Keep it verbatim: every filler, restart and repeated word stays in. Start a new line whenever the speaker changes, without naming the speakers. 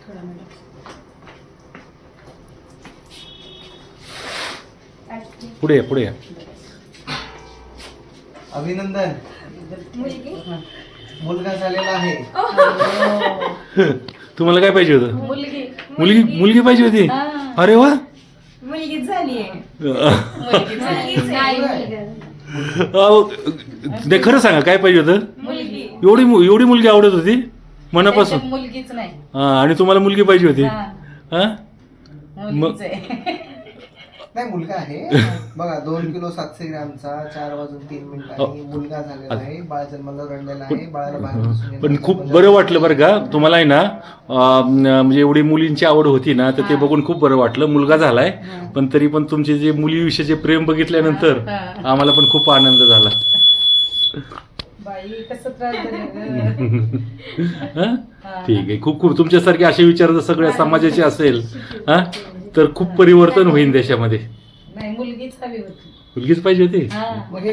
पुढे पुढे
अभिनंदन, मुलगा झालेला आहे.
तुम्हाला काय पाहिजे होतं?
मुलगी
मुलगी मुलगी पाहिजे होती. अरे वा,
मुलगी झाली आहे.
नाही खरं सांगा काय पाहिजे होतं?
मुलगी.
एवढी एवढी मुलगी आवडत होती मनापासून?
मुलगीच नाही.
हा, आणि तुम्हाला मुलगी पाहिजे होती? हा,
मुलगीच आहे.
नाही मुलगा आहे बघा. दोन किलो सातशे ग्रॅमचा, चार वाजून तीन मिनिटांनी मुलगा झालेला आहे. बाळ जन्माला रडलेला आहे. बाळाला बाहेर बसून
पण
येणार
खूप
नाही.
बरं वाटलं बरं का तुम्हाला आहे ना. अं, म्हणजे एवढी मुलींची आवड होती ना, तर ते बघून खूप बरं वाटलं. मुलगा झालाय, पण तरी पण तुमचे जे मुलीविषयीचे प्रेम बघितल्यानंतर आम्हाला पण खूप आनंद झाला.
बाई कसं त्रास झाला.
हं? ठीक आहे. खूप खूप तुमच्यासारखे असे विचार जर सगळ्या समाजाचे असेल हा, तर खूप परिवर्तन होईल देशामध्ये.
नाही मुलगीच हवी होती.
मुलगीच पाहिजे होती.
हा.
मग हे